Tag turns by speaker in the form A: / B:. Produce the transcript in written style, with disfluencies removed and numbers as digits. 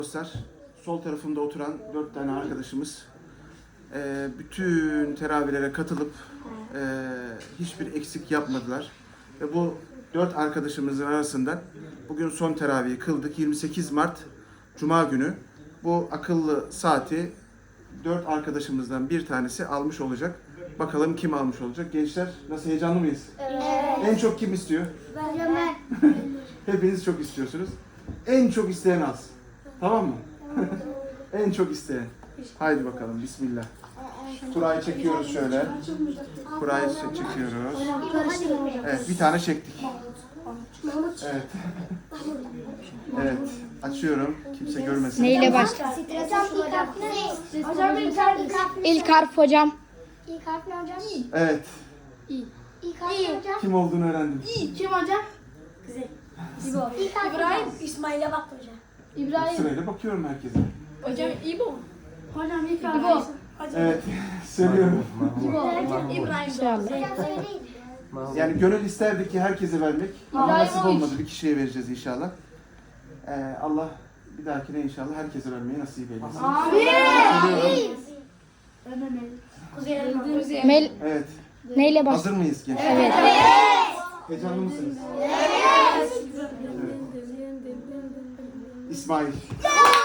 A: Dostlar, sol tarafımda oturan 4 tane arkadaşımız bütün teravihlere katılıp hiçbir eksik yapmadılar. Ve bu 4 arkadaşımızın arasından bugün son teravihi kıldık. 28 Mart Cuma günü bu akıllı saati 4 arkadaşımızdan bir tanesi almış olacak. Bakalım kim almış olacak? Gençler nasıl, heyecanlı mıyız?
B: Evet.
A: En çok kim istiyor?
B: Ben.
A: Hepiniz çok istiyorsunuz. En çok isteyen alsın. Tamam mı? En çok isteyen. Haydi bakalım, bismillah. Kurayı çekiyoruz şöyle. Kurayı çekiyoruz. Evet, bir tane çektik. Evet. Evet, açıyorum. Kimse görmesin.
C: Neyle başla?
B: Hocam
C: İlk harf hocam.
B: İlk harf ne hocam?
A: Evet,
B: İlk harf ne hocam?
A: kim olduğunu öğrendim.
D: Kim hocam?
B: İlk harf İbrahim. İsmail'e baktı hocam.
D: İbrahim.
A: Sırayla bakıyorum herkese.
D: Hocam İbo. Hocam ilk harf.
C: İbo.
A: Evet, söylüyorum.
D: İbrahim.
C: İnşallah.
B: Hocam söyleyin.
A: Yani gönül isterdik ki herkese vermek. Ama nasip olmadı. Bir kişiye vereceğiz inşallah. Allah bir dahakine inşallah herkese vermeyi nasip eylesin. Söylüyorum.
C: Mel
A: Evet.
C: neyle başla?
A: Hazır mıyız gençler?
C: Evet.
A: Heyecanlı mısınız? Evet. İsmail.